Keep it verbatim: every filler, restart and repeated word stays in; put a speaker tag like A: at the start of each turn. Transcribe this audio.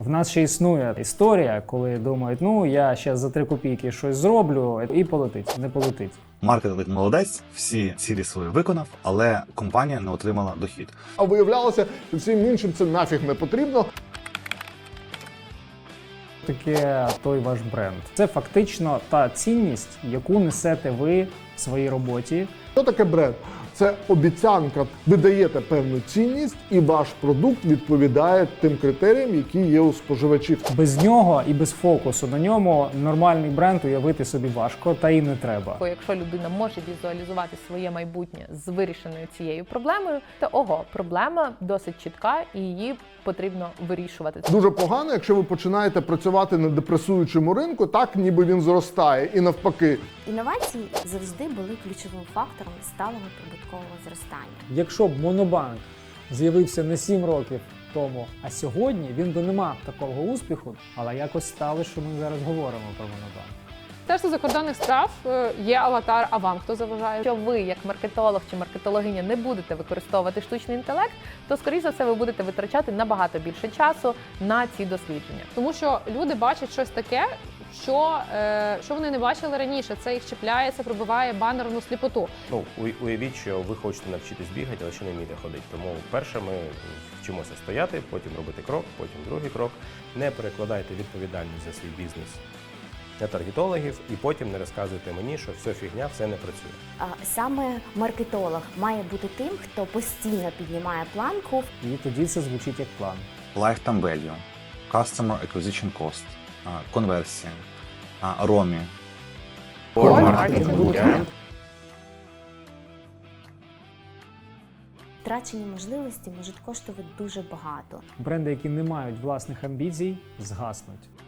A: В нас ще існує історія, коли думають, ну я ще за три копійки щось зроблю і полетить. Не полетить.
B: Маркетинг молодець, всі цілі свої виконав, але компанія не отримала дохід.
C: А виявлялося, що всім іншим це нафіг не потрібно.
A: Таке той ваш бренд. Це фактично та цінність, яку несете ви в своїй роботі.
C: Що таке бренд? Це обіцянка. Ви даєте певну цінність, і ваш продукт відповідає тим критеріям, які є у споживачів.
A: Без нього і без фокусу на ньому нормальний бренд уявити собі важко, та і не треба.
D: Бо якщо людина може візуалізувати своє майбутнє з вирішеною цією проблемою, то ого, проблема досить чітка і її потрібно вирішувати.
C: Дуже погано, якщо ви починаєте працювати на депресуючому ринку, так ніби він зростає, і навпаки.
E: Інновації завжди були ключовим фактором сталого прибуткового зростання.
A: Якщо б Монобанк з'явився не сім років тому, а сьогодні, він би не мав такого успіху, але якось стало, що ми зараз говоримо про Монобанк.
F: Міністерство закордонних справ е, є аватар, а вам хто заважає?
D: Якщо ви, як маркетолог чи маркетологиня, не будете використовувати штучний інтелект, то, скоріше за все, ви будете витрачати набагато більше часу на ці дослідження.
F: Тому що люди бачать щось таке, що, е, що вони не бачили раніше. Це їх чіпляє, це пробиває банерну сліпоту.
G: Ну, уй- уявіть, що ви хочете навчитись бігати, але ще не вмієте ходити. Тому перше ми вчимося стояти, потім робити крок, потім другий крок. Не перекладайте відповідальність за свій бізнес на таргетологів і потім не розказуйте мені, що все фігня, все не працює.
E: А Саме маркетолог має бути тим, хто постійно піднімає планку.
A: І тоді це звучить як план.
B: Lifetime value, customer acquisition cost, а, конверсія, а, ромі.
E: Втрачені можливості можуть коштувати дуже багато.
A: Бренди, які не мають власних амбіцій, згаснуть.